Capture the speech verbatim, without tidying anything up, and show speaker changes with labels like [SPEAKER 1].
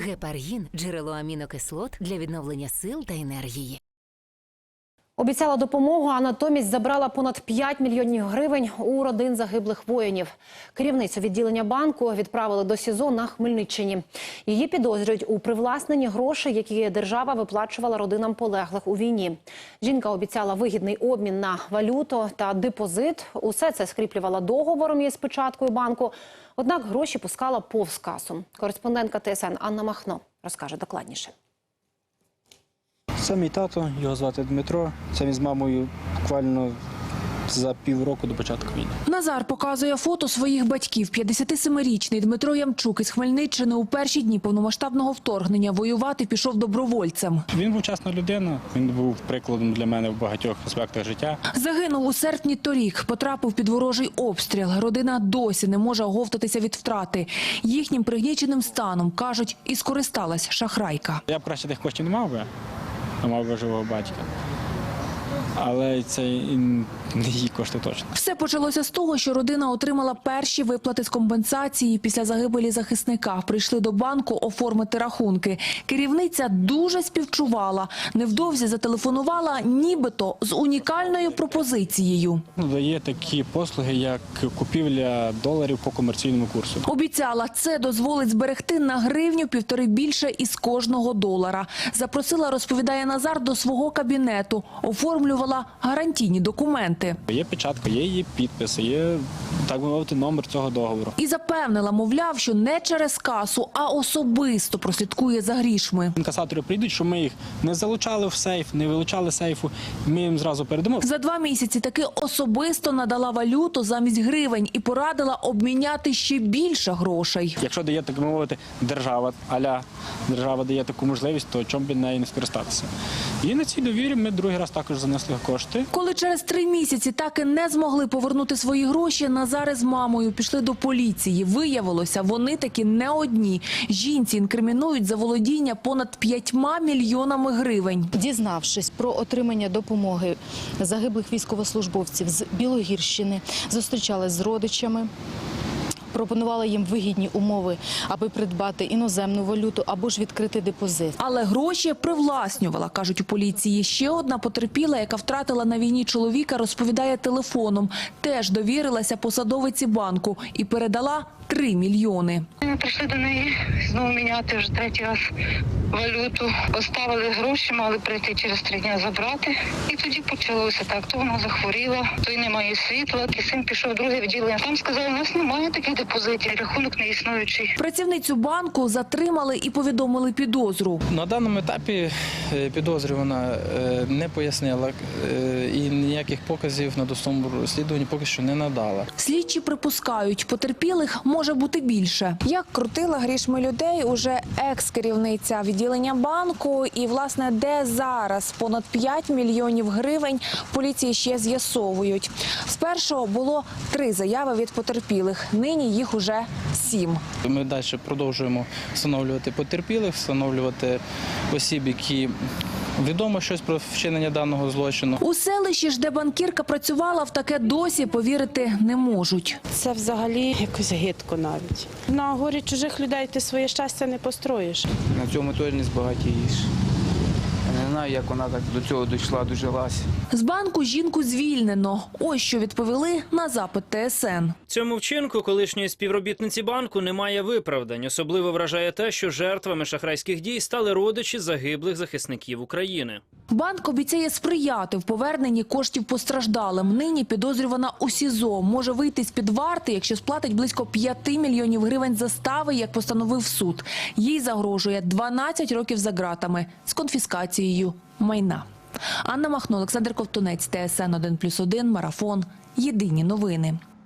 [SPEAKER 1] Гепаргін – джерело амінокислот для відновлення сил та енергії.
[SPEAKER 2] Обіцяла допомогу, а натомість забрала понад п'ять мільйонів гривень у родин загиблих воїнів. Керівницю відділення банку відправили до СІЗО на Хмельниччині. Її підозрюють у привласненні грошей, які держава виплачувала родинам полеглих у війні. Жінка обіцяла вигідний обмін на валюту та депозит. Усе це скріплювала договором із печаткою банку. Однак гроші пускала повз касу. Кореспондентка Т С Н Анна Махно розкаже докладніше.
[SPEAKER 3] Це мій тато, його звати Дмитро. Це він з мамою буквально за півроку до початку війни.
[SPEAKER 4] Назар показує фото своїх батьків. п'ятдесятисемирічний Дмитро Ямчук із Хмельниччини у перші дні повномасштабного вторгнення воювати пішов добровольцем.
[SPEAKER 3] Він був чесна людина, він був прикладом для мене в багатьох аспектах життя.
[SPEAKER 4] Загинув у серпні торік, потрапив під ворожий обстріл. Родина досі не може оговтатися від втрати. Їхнім пригніченим станом, кажуть, і скористалась шахрайка.
[SPEAKER 3] Я б краще тих коштів не мав би, а мав би живого батька. Але це не її кошти точно.
[SPEAKER 4] Все почалося з того, що родина отримала перші виплати з компенсації після загибелі захисника. Прийшли до банку оформити рахунки. Керівниця дуже співчувала. Невдовзі зателефонувала нібито з унікальною пропозицією.
[SPEAKER 3] Дає такі послуги, як купівля доларів по комерційному курсу.
[SPEAKER 4] Обіцяла, це дозволить зберегти на гривню півтори більше із кожного долара. Запросила, розповідає Назар, до свого кабінету. Оформлювала гарантійні документи.
[SPEAKER 3] Є печатка, є її підпис, є, так би мовити, номер цього договору.
[SPEAKER 4] І запевнила, мовляв, що не через касу, а особисто прослідкує за грішми.
[SPEAKER 3] Інкасатори прийдуть, що ми їх не залучали в сейф, не вилучали сейфу, ми їм зразу передамо.
[SPEAKER 4] За два місяці таки особисто надала валюту замість гривень і порадила обміняти ще більше грошей.
[SPEAKER 3] Якщо дає, так би мовити, держава, аля держава дає таку можливість, то чому б нею не скористатися? І на цій довірі ми другий раз також занесли кошти.
[SPEAKER 4] Коли через три місяці так і не змогли повернути свої гроші, Назар з мамою пішли до поліції. Виявилося, вони таки не одні. Жінці інкримінують за володіння понад п'ятьма мільйонами гривень.
[SPEAKER 5] Дізнавшись про отримання допомоги загиблих військовослужбовців з Білогірщини, зустрічалися з родичами, пропонувала їм вигідні умови, аби придбати іноземну валюту або ж відкрити депозит.
[SPEAKER 4] Але гроші привласнювала, кажуть у поліції. Ще одна потерпіла, яка втратила на війні чоловіка, розповідає телефоном. Теж довірилася посадовиці банку і передала три мільйони.
[SPEAKER 6] Ми прийшли до неї знову міняти вже третій раз валюту. Поставили гроші, мали прийти через три дні забрати. І тоді почалося так. То вона захворіла, то й немає світла. І син пішов в друге відділення. Там сказали, у нас немає таких депозитів, рахунок не існуючий.
[SPEAKER 4] Працівницю банку затримали і повідомили підозру.
[SPEAKER 7] На даному етапі підозрювана не пояснила і ніяких показів на досудовому розслідуванні поки що не надала.
[SPEAKER 4] Слідчі припускають, потерпілих може бути більше.
[SPEAKER 8] Як крутила грішми людей уже екс-керівниця відділення банку. І, власне, де зараз понад п'ять мільйонів гривень, поліції ще з'ясовують. Спершу було три заяви від потерпілих, нині їх уже сім.
[SPEAKER 7] Ми далі продовжуємо встановлювати потерпілих, встановлювати осіб, які відомо щось про вчинення даного злочину.
[SPEAKER 4] У селищі ж, де банкірка працювала, в таке досі повірити не можуть.
[SPEAKER 9] Це взагалі якось гидко навіть. На горі чужих людей ти своє щастя не построїш.
[SPEAKER 10] На цьому теж не збагатієш. Я не знаю, як вона так до цього дійшла, дожилась.
[SPEAKER 4] З банку жінку звільнено. Ось що відповіли на запит Т С Н.
[SPEAKER 11] Цьому вчинку колишньої співробітниці банку немає виправдань. Особливо вражає те, що жертвами шахрайських дій стали родичі загиблих захисників України.
[SPEAKER 4] Банк обіцяє сприяти в поверненні коштів постраждалим. Нині підозрювана у СІЗО. Може вийти з-під варти, якщо сплатить близько п'яти мільйонів гривень застави, як постановив суд. Їй загрожує дванадцять років за ґратами з конфіскацією майна. Анна Махно, Олександр Ковтунець, Т С Н один плюс один, Марафон. Єдині новини.